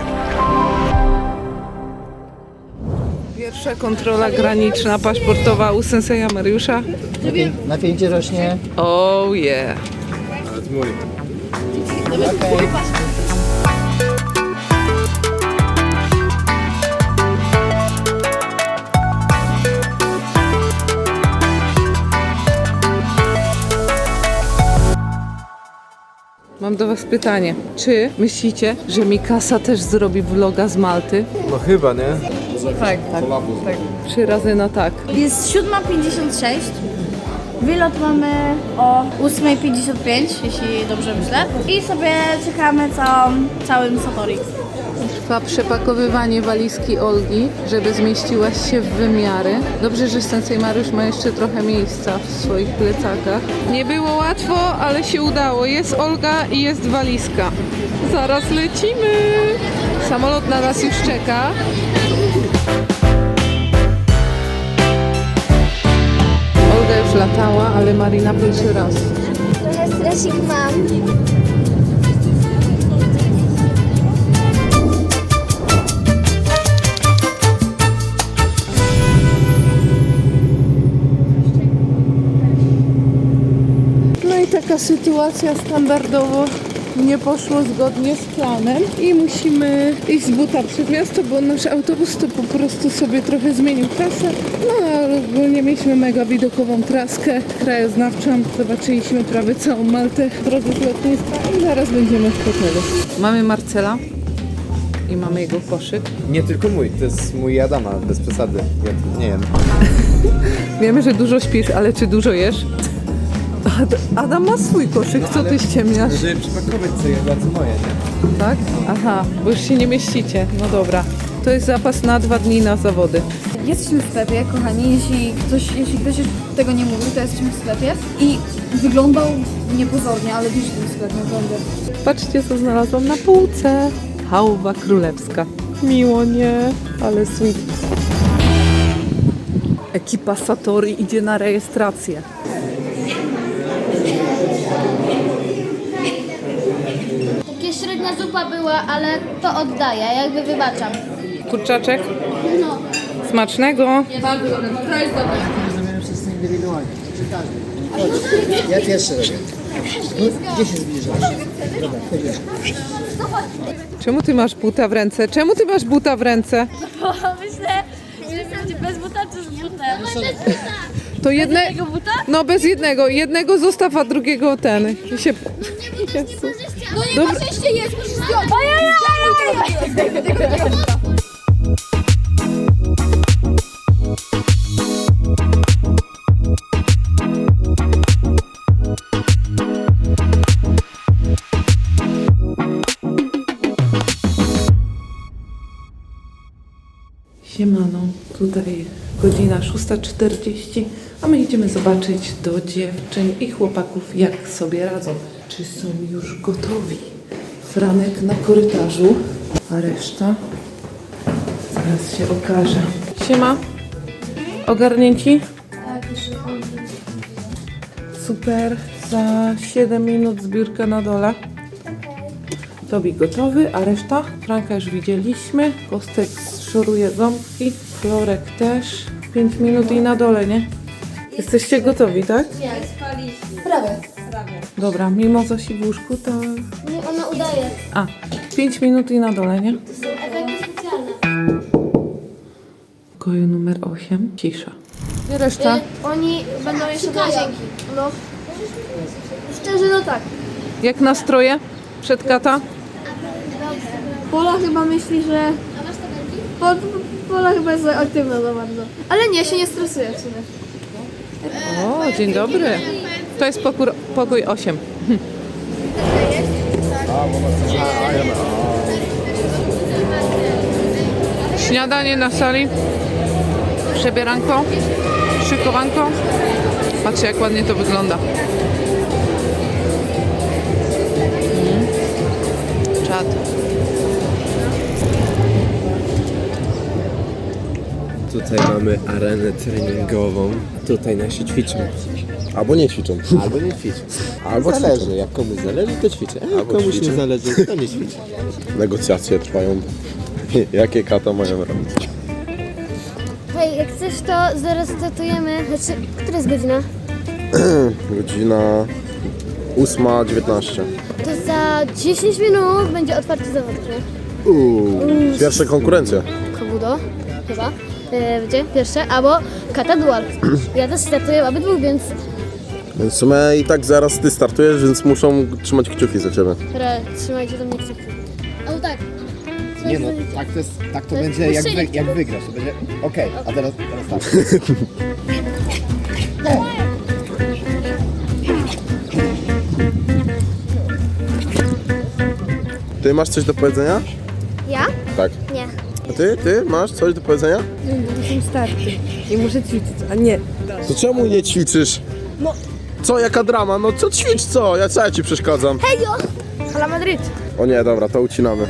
Pierwsza kontrola graniczna, paszportowa u senseja Mariusza. Napięcie rośnie. Oh yeah. Nawet mój. Okay. Mam do was pytanie. Czy myślicie, że Mikasa też zrobi vloga z Malty? No chyba, nie? Tak. 3 razy na tak. Jest 7:56. Wylot mamy o 8:55, jeśli dobrze myślę. I sobie czekamy całym Satori. Trwa przepakowywanie walizki Olgi, żeby zmieściła się w wymiary. Dobrze, że sensei Mariusz ma jeszcze trochę miejsca w swoich plecakach. Nie było łatwo, ale się udało. Jest Olga i jest walizka. Zaraz lecimy! Samolot na nas już czeka. Olga już latała, ale Marina pierwszy raz. Trochę stresik mam. No i taka sytuacja standardowo nie poszło zgodnie z planem i musimy iść z buta przed miasto, bo nasz autobus to po prostu sobie trochę zmienił trasę. No ale ogólnie mieliśmy mega widokową traskę krajoznawczą. Zobaczyliśmy prawie całą Maltę w drodze z lotniska i zaraz będziemy w hotelu. Mamy Marcela i mamy jego koszyk. Nie tylko mój, to jest mój Adama, bez przesady. Ja nie jem. Wiemy, że dużo śpisz, ale czy dużo jesz? Adam ma swój koszyk, co ty ściemniasz? Żeby przypakować sobie bardzo moje, nie? Tak? Aha, bo już się nie mieścicie. No dobra. To jest zapas na 2 dni na zawody. Jesteśmy w sklepie, kochani. Jeśli ktoś już tego nie mówił, to jesteśmy w sklepie. I wyglądał niepozornie, ale widzisz ten sklep naprawdę. Patrzcie, co znalazłam na półce. Hałwa królewska. Miło, nie? Ale sweet. Ekipa Satori idzie na rejestrację. Takie średnia zupa była, ale to oddaję, jakby wybaczam. Kurczaczek? No. Smacznego. Zrobimy wszyscy indywidualnie. Czy każdy? Ja pierwszy robię. No, gdzie się zbliżasz? Dobra, chodzisz. Czemu ty masz buta w ręce? Czemu ty masz buta w ręce? Myślę, że będzie bez buta czy z butem. To jedne... buta? No bez jednego. Jednego zostaw, a drugiego ten. I się... Jezu. No nie Dobra. ma szczęście jest, musisz zdjąć. Siemano, tutaj godzina 6:40, a my idziemy zobaczyć do dziewczyn i chłopaków, jak sobie radzą. Czy są już gotowi? Franek na korytarzu, a reszta zaraz się okaże. Siema, ogarnięci? Super, za 7 minut zbiórka na dole. Tobi gotowy, a reszta? Franka już widzieliśmy. Kostek szoruje ząbki. Florek też. 5 minut i na dole, nie? Jesteście gotowi, tak? Prawie. Dobra, mimo Zosi w łóżku, to... Nie, ona udaje. A, 5 minut i na dole, nie? To są efekty specjalne. W pokoju numer 8. Cisza. I reszta? Oni będą jeszcze Czekają. łazienki. No. Szczerze, no tak. Jak nastroje? Przed kata? Pola chyba myśli, że... Pola chyba jest aktywna za bardzo. Ale nie, się nie stresuje w sumie. O, dzień dobry. To jest pokój 8. Śniadanie na sali. Przebieranko. Szykowanko. Patrzcie, jak ładnie to wygląda. Czad. Tutaj mamy arenę treningową. Tutaj nasi ćwiczą. Albo nie ćwiczą. Albo nie ćwiczą. Albo Zależy, ćwiczą. jak komuś zależy, to ćwiczę. A jak Albo komuś ćwiczę. nie zależy, to nie ćwiczę. Negocjacje trwają. Jakie kata mają robić? Hej, jak chcesz, to zaraz startujemy. Znaczy, która jest godzina? Godzina 8:19. To za 10 minut będzie otwarty zawodów, nie? Pierwsze konkurencje. Kobudo, chyba. Będzie pierwsze, albo kata dual. Ja też startuję obydwu, więc Więc w sumie i tak zaraz ty startujesz, więc muszą trzymać kciuki za ciebie. trzymajcie do mnie kciuki. Ale tak. Nie no, tak to jest będzie jak, puszczenie. jak wygrasz. To będzie okej, a teraz tak. Ty masz coś do powiedzenia? Ja? Tak. Nie. A ty masz coś do powiedzenia? Są starty i muszę ćwiczyć, a nie. To czemu nie ćwiczysz? No. Co, jaka drama? No co ćwicz, co? Ja ci przeszkadzam? Hejo! Hala Madryt. O nie, dobra, to ucinamy.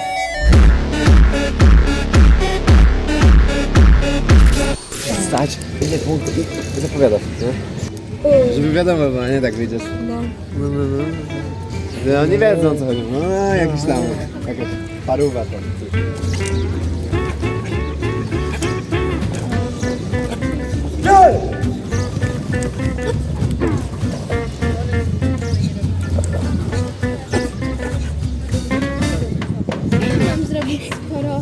Stać. Nie, punkt. I zapowiadasz, nie? Żeby wiadomo było, nie tak wyjdziesz. No. No nie wiedzą co chodzi. No jakiś tam, jakaś parówa tam. Mam zrobić sporo.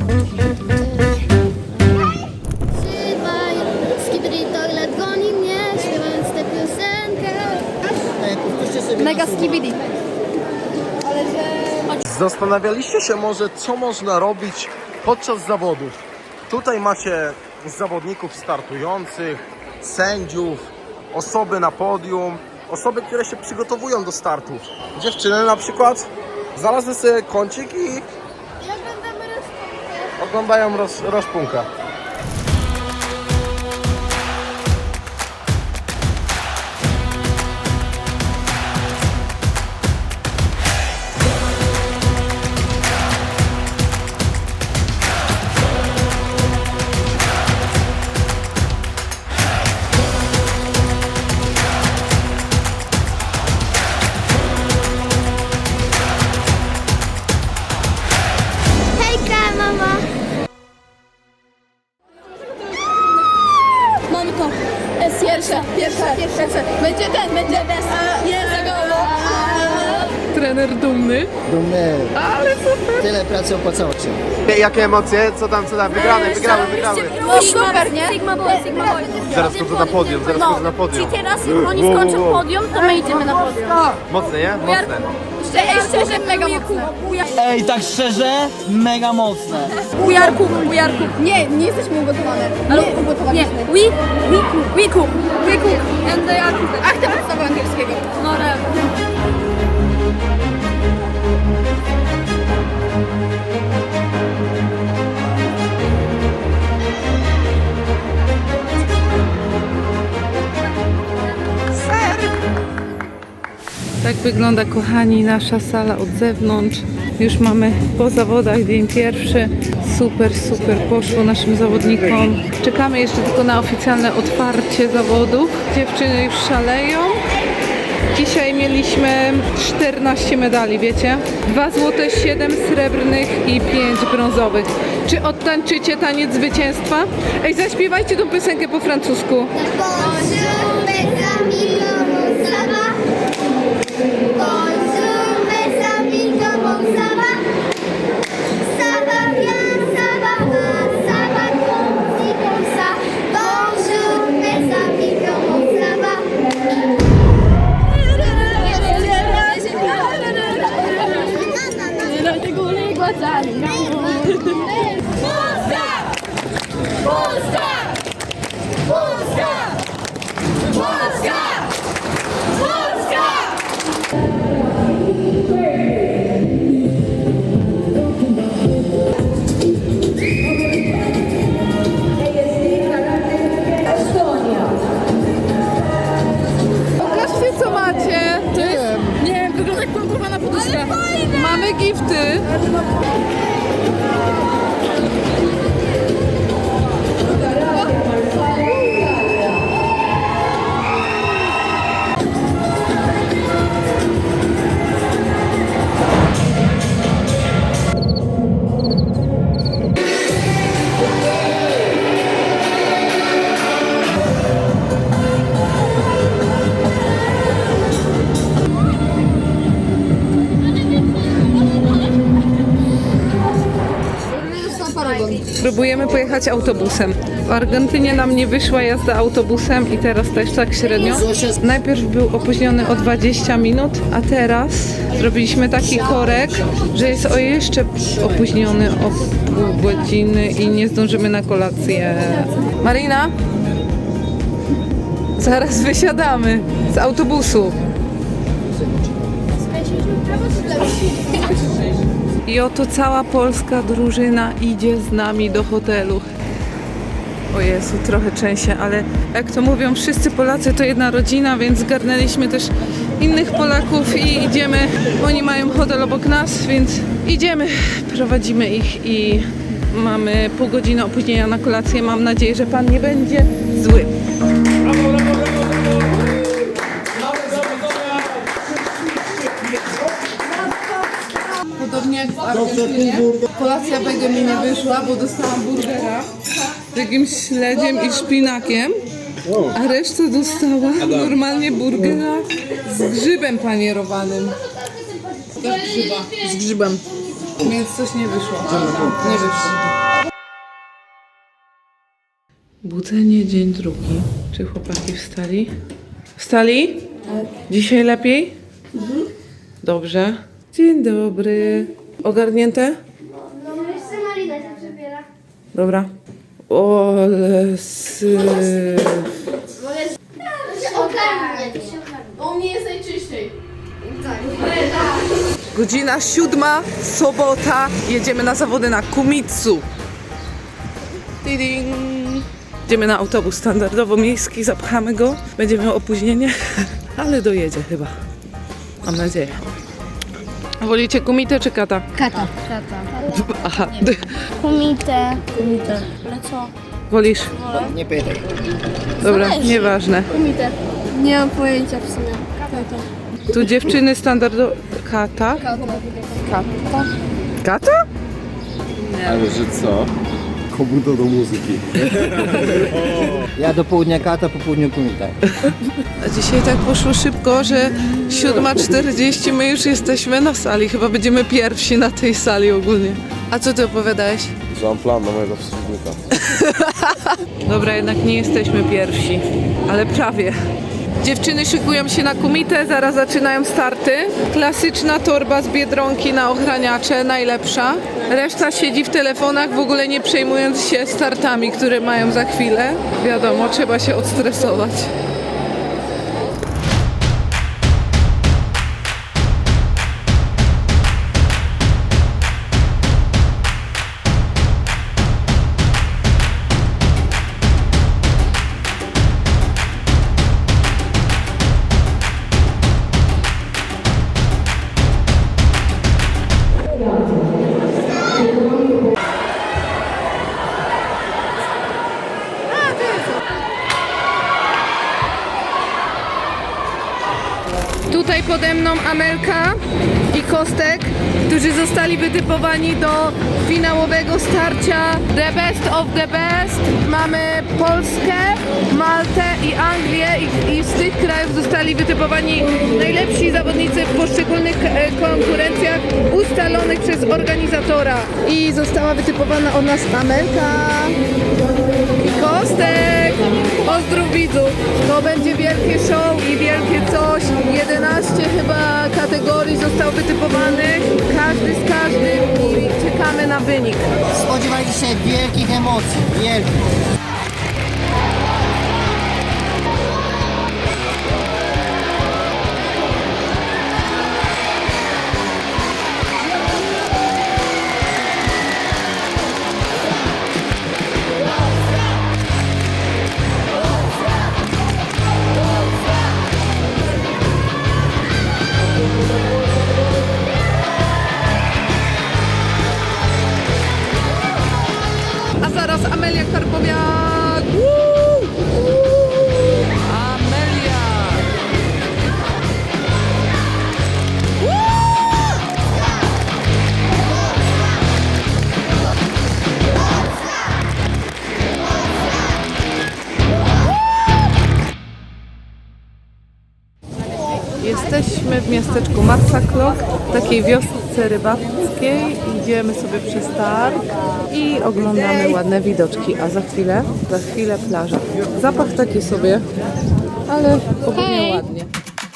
Trzymaj, skibidi toilet goni mnie, śpiewając tę piosenkę. Mega skibidi. Zastanawialiście się może, co można robić podczas zawodów. Tutaj macie zawodników startujących, sędziów, osoby na podium, osoby, które się przygotowują do startów. Dziewczyny na przykład znalazły sobie kącik i Jak będziemy rozpoczynać? oglądają rozpunkę. Hejka, mama! Mamy to. Jest pierwsza. Będzie jest Trener dumny. Dumny. Ale super. Tyle pracy opłacało się. Jakie emocje? Co tam? Wygramy. super, nie? Sigma Boy. Zaraz chodzę na podium, Czyli teraz oni skończą podium, to my idziemy na podium. Mocne, nie? Mocne. Szczerze, mega mocne. Ej, tak szczerze, mega mocne. Ujarku. Nie jesteśmy ugotowane. Ale ugotowaliśmy. We cook. And they are cooked. Ach, to podstawa angielskiego. No Tak wygląda, kochani, nasza sala od zewnątrz. Już mamy po zawodach dzień pierwszy. Super poszło naszym zawodnikom. Czekamy jeszcze tylko na oficjalne otwarcie zawodów. Dziewczyny już szaleją. Dzisiaj mieliśmy 14 medali, wiecie? 2 złote, 7 srebrnych i 5 brązowych. Czy odtańczycie taniec zwycięstwa? Ej, zaśpiewajcie tą piosenkę po francusku. Bonjour mes amis, comment ça va? Bonjour mes amis, comment ça va? Ça va bien, ça va mal, ça va comme ça. Bonjour mes amis, comment ça va? Pokażcie, co macie. To jest... Nie wiem, wygląda jak pompowana poduszka. Mamy gifty. Próbujemy pojechać autobusem. W Argentynie nam nie wyszła jazda autobusem i teraz też tak średnio. Najpierw był opóźniony o 20 minut, a teraz zrobiliśmy taki korek, że jest o jeszcze opóźniony o pół godziny i nie zdążymy na kolację. Marina? Zaraz wysiadamy z autobusu. I oto cała polska drużyna idzie z nami do hotelu. O Jezu, trochę trzęsie, ale jak to mówią, wszyscy Polacy to jedna rodzina, więc zgarnęliśmy też innych Polaków i idziemy. Oni mają hotel obok nas, więc idziemy, prowadzimy ich i mamy pół godziny opóźnienia na kolację. Mam nadzieję, że Pan nie będzie zły. Podobnie jak w Argentynie, kolacja wege mi nie wyszła, bo dostałam burgera z jakimś śledziem i szpinakiem, a reszta dostała normalnie burgera z grzybem panierowanym. Też grzyba. Z grzybem. Więc coś nie wyszło. Nie wyszło. Budzenie dzień drugi. Czy chłopaki wstali? Wstali? Dzisiaj lepiej? Dobrze. Dzień dobry. Ogarnięte? No jeszcze Marina się przebiera. Dobra. Ole sy... Ogarnie. U mnie jest najczyściej. Godzina 7, sobota. Jedziemy na zawody na Kumitsu. Tiding. Idziemy na autobus standardowo miejski, zapchamy go. Będzie miał opóźnienie, ale dojedzie chyba. Mam nadzieję. Wolicie kumitę czy kata? Kata. Aha. Kumite. Ale co? Wolisz? Nie pytaj. Dobra, nieważne. Kumite. Nie mam pojęcia w sumie. Tu dziewczyny standardowo... Kata? Kata? Ale że co? Kobudo do muzyki. Ja do południa kata, po południu kumita. A dzisiaj tak poszło szybko, że 7:40 my już jesteśmy na sali. Chyba będziemy pierwsi na tej sali ogólnie. A co ty opowiadałeś? Że mam plan na mojego przeciwnika. Dobra, jednak nie jesteśmy pierwsi, ale prawie. Dziewczyny szykują się na kumitę, zaraz zaczynają starty. Klasyczna torba z Biedronki na ochraniacze, najlepsza. Reszta siedzi w telefonach, w ogóle nie przejmując się startami, które mają za chwilę. Wiadomo, trzeba się odstresować. Tutaj pode mną Amelka i Kostek, którzy zostali wytypowani do finałowego starcia The Best of the Best. Mamy Polskę, Maltę i Anglię i z tych krajów zostali wytypowani najlepsi zawodnicy w poszczególnych konkurencjach ustalonych przez organizatora. I została wytypowana od nas Amelka i Kostek. Pozdrów widzów. To będzie wielkie show i wielkie coś. 11 chyba kategorii zostało wytypowanych. Każdy z każdym i czekamy na wynik. Spodziewajcie się wielkich emocji. Wielkich. A zaraz Amelia Karpowiak. Amelia. Jesteśmy w miasteczku Macaklok, takiej wiosce placówce rybackiej. Idziemy sobie przez targ i oglądamy ładne widoczki. A za chwilę plaża. Zapach taki sobie, ale ogólnie ładnie.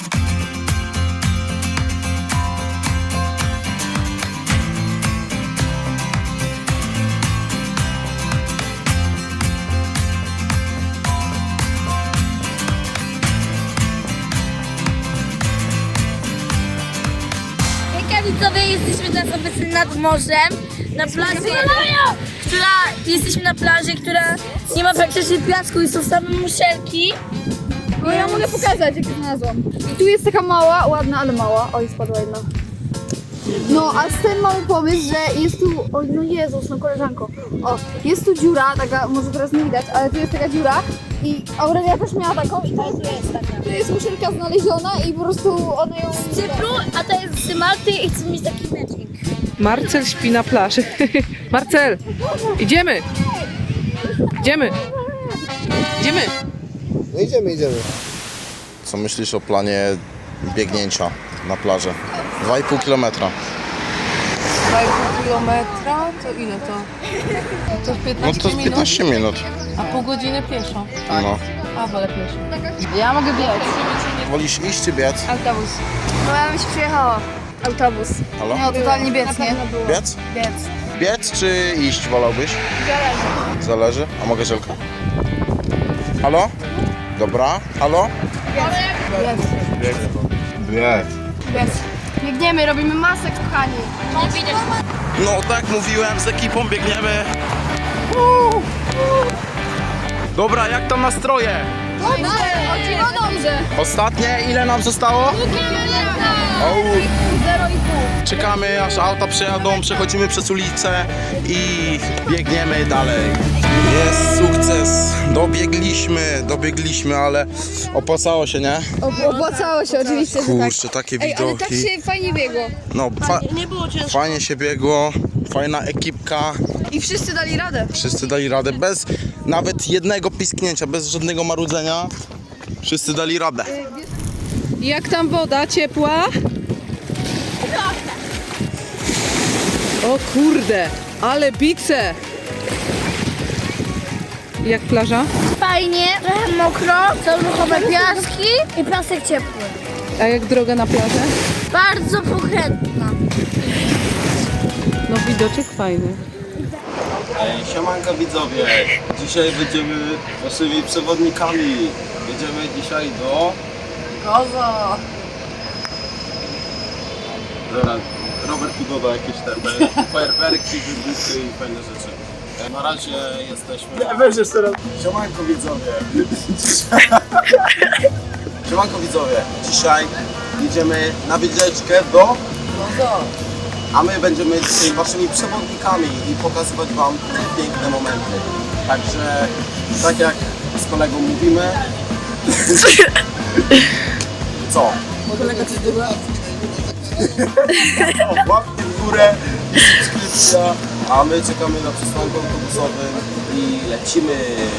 Hejka widzowie, jesteśmy teraz obecnie nad morzem, na plaży, jesteśmy na plaży, która nie ma praktycznie piasku i są same muszelki. No ja mogę pokazać, jak znalazłam. I tu jest taka mała, ładna, ale mała. Oj, spadła jedna. No, a z tym mamy pomysł, że jest tu... Oj, no Jezus, no koleżanko. O, jest tu dziura, taka, może teraz nie widać, ale tu jest taka dziura. I Aurelia też miała taką i to jest taka. Tu jest muszelka znaleziona i po prostu ona ją... Z Cypru, a to jest z Malty i chcę mieć taki mecznik. Marcel śpi na plaży. Marcel, idziemy! Idziemy! Idziemy! No idziemy. Co myślisz o planie biegnięcia na plażę? 2,5 kilometra. 2,5 kilometra, to ile to? To 15 No to jest 15 minut. A pół godziny pieszo. No. A, wolę pieszo. Ja mogę biec. Wolisz iść czy biec? Autobus. No ja bym się przyjechała. Autobus. Halo? No, totalnie biec, nie? Biec? Biec. Biec czy iść wolałbyś? Zależy. A mogę żelkę? Halo? Dobra. Halo? Biec. Biec. Biegniemy, robimy masę, kochani. No tak mówiłem, z ekipą biegniemy. Dobra, jak tam nastroje? Dobrze. Ostatnie, ile nam zostało? O, 0,5. czekamy aż auta przejadą, przechodzimy przez ulicę i biegniemy dalej. Jest sukces, dobiegliśmy, ale opłacało się, nie? Opłacało się, oczywiście, że tak. Kurczę, takie Ej, ale widoki. tak się fajnie biegło. No, fajnie się biegło, fajna ekipka, I wszyscy dali radę. wszyscy dali radę, bez nawet jednego pisknięcia, bez żadnego marudzenia. Wszyscy dali radę. Jak tam woda? Ciepła? O kurde, ale bice! Jak plaża? Fajnie, trochę mokro, są ruchome piaski i piasek ciepły. A jak droga na plażę? Bardzo pokrętna. No widoczek fajny. Siemanko widzowie, dzisiaj będziemy waszymi przewodnikami. Jedziemy dzisiaj do... Kozo! Dobra, Robert tu doda jakieś te fajerwerki, wybuchy i fajne rzeczy. Na razie jesteśmy... Weź jeszcze raz. Siemanko widzowie. Siemanko widzowie, dzisiaj jedziemy na wycieczkę do... A my będziemy dzisiaj waszymi przewodnikami i pokazywać wam te piękne momenty. Także, tak jak z kolegą mówimy... Co? Kolega coś dobra? Łapki w górę i subskrypcja, a my czekamy na przystanku autobusowym i lecimy.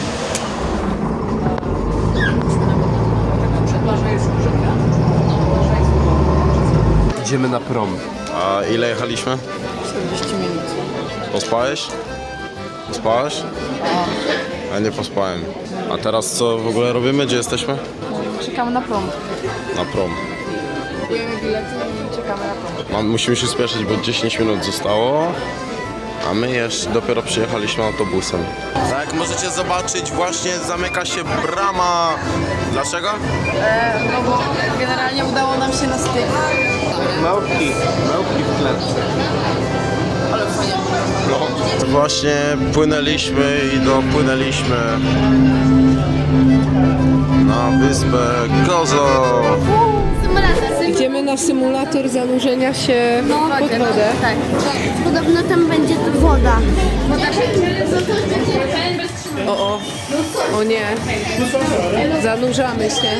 Idziemy na prom. A ile jechaliśmy? 40 minut. Pospałeś? Pospałeś? Ja nie pospałem. A teraz co w ogóle robimy? Gdzie jesteśmy? Czekamy na prom. Na prom. Kupujemy bilety i czekamy na prom. Musimy się spieszyć, bo 10 minut zostało. A my jeszcze dopiero przyjechaliśmy autobusem. Tak jak możecie zobaczyć, właśnie zamyka się brama. Dlaczego? No bo generalnie udało nam się na styk. Małpki w klatce. No, właśnie płynęliśmy i dopłynęliśmy na wyspę Gozo. Idziemy na symulator zanurzenia się pod wodę. Tak. Podobno tam będzie woda. O nie, zanurzamy się.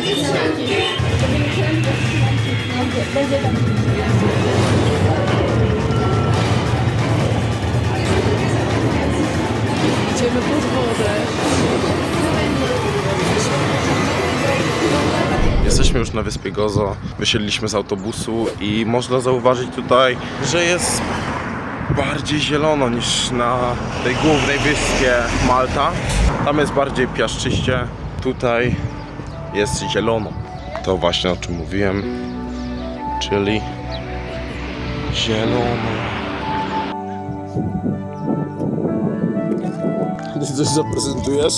Idziemy pod wodę. Jesteśmy już na wyspie Gozo. Wysiedliśmy z autobusu i można zauważyć tutaj, że jest bardziej zielono niż na tej głównej wyspie Malta. Tam jest bardziej piaszczyście, tutaj jest zielono. To właśnie o czym mówiłem, czyli zielono. Ty coś zaprezentujesz?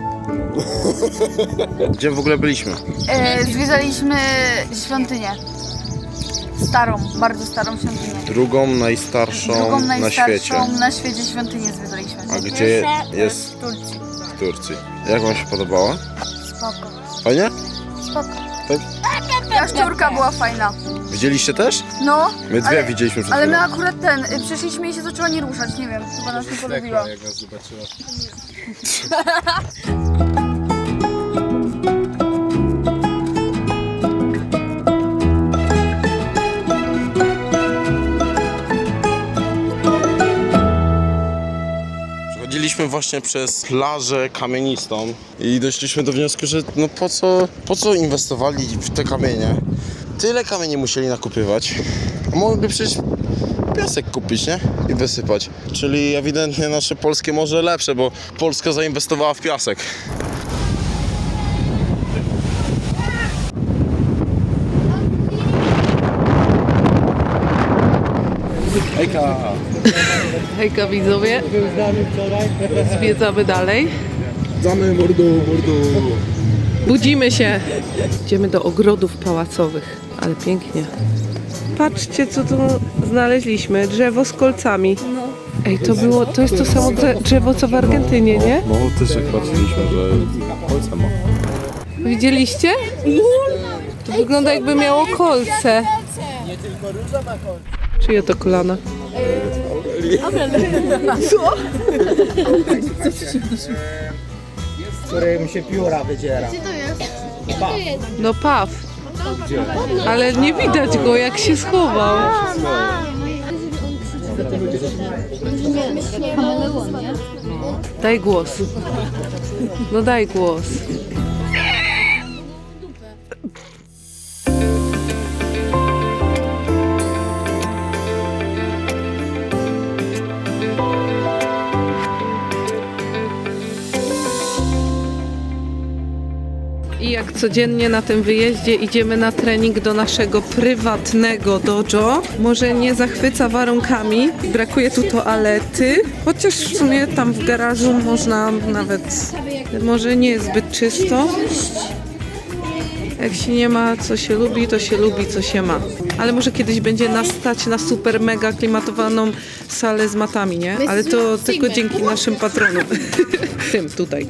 Gdzie w ogóle byliśmy? Zwiedzaliśmy świątynię. Starą, bardzo starą świątynię. Drugą najstarszą na świecie. Na świecie świątynię zwiedzaliśmy. A gdzie jest? W Turcji. W Turcji. Jak wam się podobała? Spoko. Fajnie? Spoko. Tak? Jaszczurka była fajna. Widzieliście też? No. My dwie widzieliśmy przed Ale my chwilą. akurat przeszliśmy i się zaczęła nie ruszać, nie wiem, chyba nas nie polubiła. Jak nas zobaczyła. Przechodziliśmy właśnie przez plażę kamienistą i doszliśmy do wniosku, że no po co inwestowali w te kamienie? Tyle kamieni musieli nakupywać, a mogliby przecież piasek kupić, nie? I wysypać. Czyli ewidentnie nasze polskie morze lepsze, bo Polska zainwestowała w piasek. Hejka widzowie, zwiedzamy dalej. Zamy mordo. Budzimy się. Idziemy do ogrodów pałacowych, ale pięknie. Patrzcie, co tu znaleźliśmy. Drzewo z kolcami. Ej, to jest to samo drzewo, co w Argentynie, nie? No też jak patrzyliśmy, że kolce ma. Widzieliście? To wygląda, jakby miało kolce. Czyje to kolana? Z którym się pióra wydziera. No paw. Ale nie widać go, jak się schował. Daj głos. No daj głos. I jak codziennie na tym wyjeździe idziemy na trening do naszego prywatnego dojo. Może nie zachwyca warunkami, brakuje tu toalety, chociaż w sumie tam w garażu można nawet, może nie jest zbyt czysto. Jak się nie ma co się lubi, to się lubi co się ma. Ale może kiedyś będzie nas stać na super mega klimatowaną salę z matami, nie? Ale to tylko dzięki naszym patronom. Tym tutaj.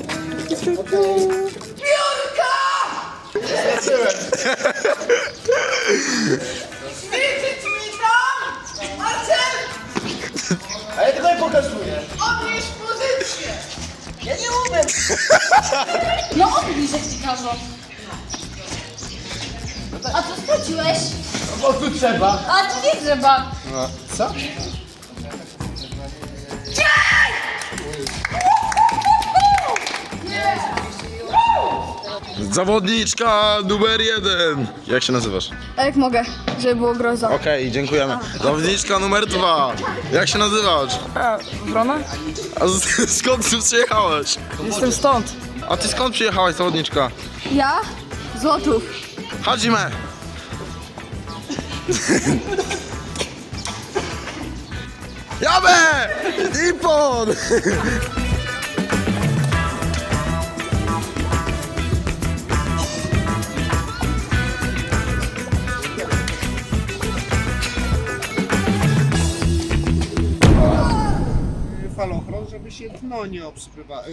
A ja tutaj pokazuję. No odbliż, jak ci każą. A co spłaciłeś? Bo tu trzeba. A tu nie trzeba. No, co? Zawodniczka numer 1. Jak się nazywasz? A jak mogę, żeby było groza. Okej, dziękujemy. Zawodniczka numer 2. Jak się nazywasz? Wrona? A skąd ty przyjechałeś? Jestem stąd. A ty skąd przyjechałaś, zawodniczka? Ja? Złotów. Hadzime! Jabe! Nippon! Falochron, żeby się dno nie obsypywało.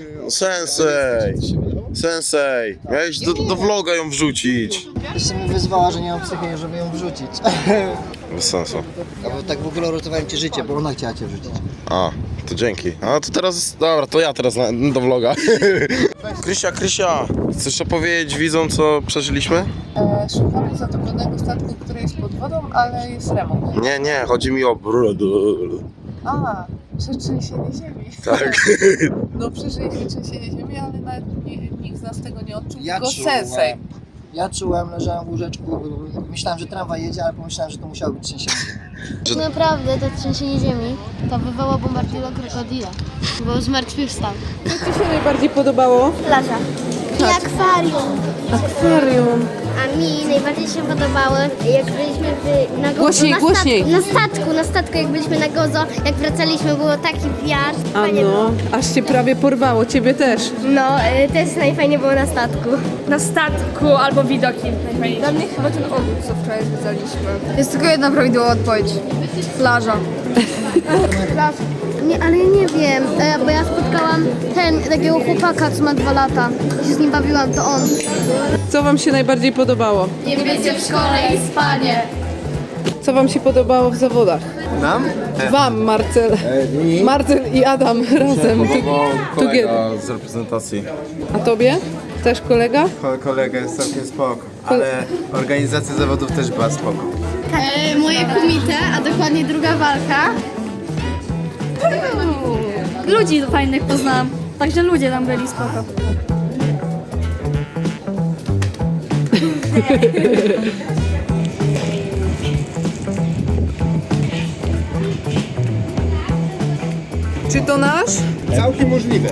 Sensei, miałeś do vloga ją wrzucić. Jeszcze mnie wyzwała, że nie mam psychy, żeby ją wrzucić. Bez sensu. A bo tak w ogóle uratowałem ci życie, bo ona chciała cię wrzucić. A, to dzięki. A to teraz, dobra, to ja teraz do vloga. Krysia, chcesz opowiedzieć widzom, co przeżyliśmy? Szukamy zatopionego statku, który jest pod wodą, ale jest remont. Nie, chodzi mi o... A, trzęsienie ziemi. Tak. No przeżyliśmy trzęsienie ziemi, ale nawet nikt z nas tego nie odczuł, Ja tylko czułem. Sensei. Ja czułem, leżałem w łóżeczku, myślałem, że tramwaj jedzie, ale pomyślałem, że to musiało być trzęsienie. Naprawdę to trzęsienie ziemi to wywoła bombardilo krokodila, bo zmartwychwstał. Co Ci się najbardziej podobało? Plaża. I akwarium. Akwarium. A mi najbardziej się podobało, jak byliśmy na Gozo. Głośniej, na głośniej. Na statku, jak byliśmy na Gozo, jak wracaliśmy, było taki wiatr. A Fajnie no, było. aż Cię prawie porwało, Ciebie też. No, też najfajniej było na statku. Na statku albo widoki. Dla mnie chyba ten ogród, co wczoraj zwiedzaliśmy. Jest tylko jedna prawidłowa odpowiedź. Plaża. Nie, ale ja nie wiem, bo ja spotkałam takiego chłopaka, co ma 2 lata. Ja się z nim bawiłam, to on. Co Wam się najbardziej podobało? Nie bycie w szkole i spanie. Co Wam się podobało w zawodach? Nam? Wam, Marcel. Marcel i Adam razem. Kolega z reprezentacji. A Tobie? Też kolega? Kolega jest całkiem spoko, ale organizacja zawodów też była spoko. Moje kumite, a dokładnie druga walka. Ludzi fajnych poznałam. Także ludzie tam byli spoko. Czy to nasz? Całkiem możliwe.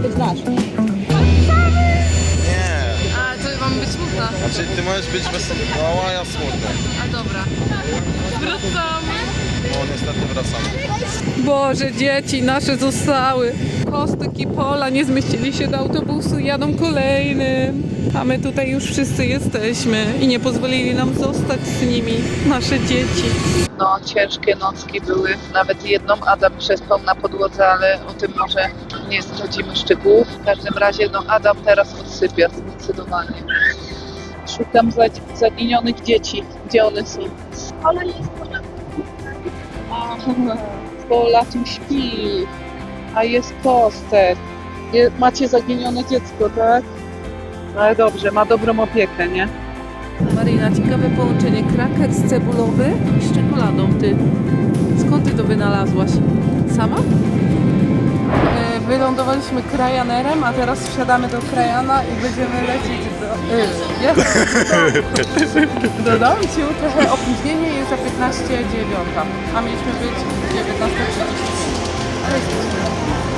Nie. A to mam być smutna. Znaczy ty możesz być wesoły, a ja smutny. A dobra. Wracamy. No niestety wracamy. Boże, dzieci nasze zostały. Kostek i Pola nie zmieścili się do autobusu, jadą kolejnym. A my tutaj już wszyscy jesteśmy i nie pozwolili nam zostać z nimi, nasze dzieci. No, ciężkie nocki były. Nawet jedną Adam przespał na podłodze, ale o tym może nie zdradzimy szczegółów. W każdym razie, no Adam teraz odsypia zdecydowanie. Szukam zaginionych dzieci. Gdzie one są? Ale jest Pola tu śpi, a jest Kostek. Macie zaginione dziecko, tak? Ale dobrze, ma dobrą opiekę, nie? Marina, ciekawe połączenie. Krakers cebulowy z czekoladą. Ty, skąd ty to wynalazłaś? Sama? Wylądowaliśmy Cryanerem, a teraz wsiadamy do Cryana i będziemy lecieć do domciu. Trochę opóźnienie jest za 15:09, a mieliśmy być 19:30. Ale jesteśmy.